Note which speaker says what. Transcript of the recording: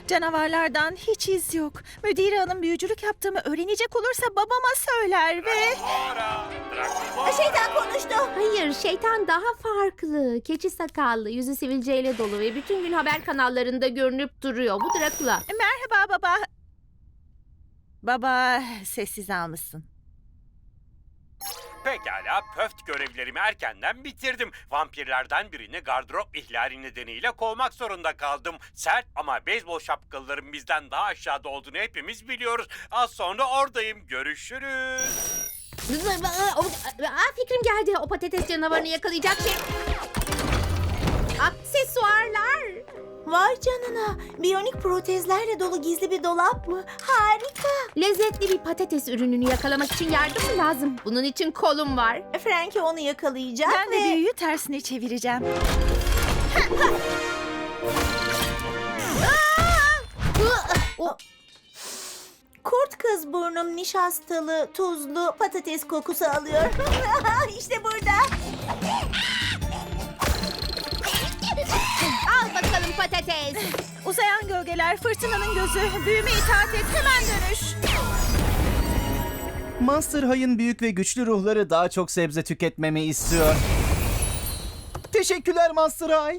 Speaker 1: Canavarlardan hiç iz yok. Müdür hanım büyücülük yaptığımı öğrenecek olursa babama söyler ve...
Speaker 2: Şeytan konuştu.
Speaker 3: Hayır, şeytan daha farklı. Keçi sakallı, yüzü sivilceyle dolu ve bütün gün haber kanallarında görünüp duruyor. Bu Drakula.
Speaker 1: Merhaba baba. Baba, sessiz almışsın.
Speaker 4: Pekala, pöft görevlerimi erkenden bitirdim. Vampirlerden birini gardırop ihlali nedeniyle kovmak zorunda kaldım. Sert ama beyzbol şapkalıların bizden daha aşağıda olduğunu hepimiz biliyoruz. Az sonra oradayım. Görüşürüz.
Speaker 3: Fikrim geldi. O patates canavarını yakalayacak şey. Aksesuarlar.
Speaker 2: Vay canına. Biyonik protezlerle dolu gizli bir dolap mı? Harika.
Speaker 3: Lezzetli bir patates ürününü yakalamak için yardım mı lazım? Bunun için kolum var.
Speaker 2: Frankie onu yakalayacak
Speaker 1: Ben de
Speaker 2: ve...
Speaker 1: büyüyü tersine çevireceğim.
Speaker 2: Kurt kız burnum nişastalı, tuzlu patates kokusu alıyor. İşte burada.
Speaker 3: Al bakalım patates.
Speaker 1: Uzayan gölgeler, fırtınanın gözü, büyüme itaat et, hemen dönüş.
Speaker 5: Monster High'ın büyük ve güçlü ruhları daha çok sebze tüketmemi istiyor. Teşekkürler Monster High.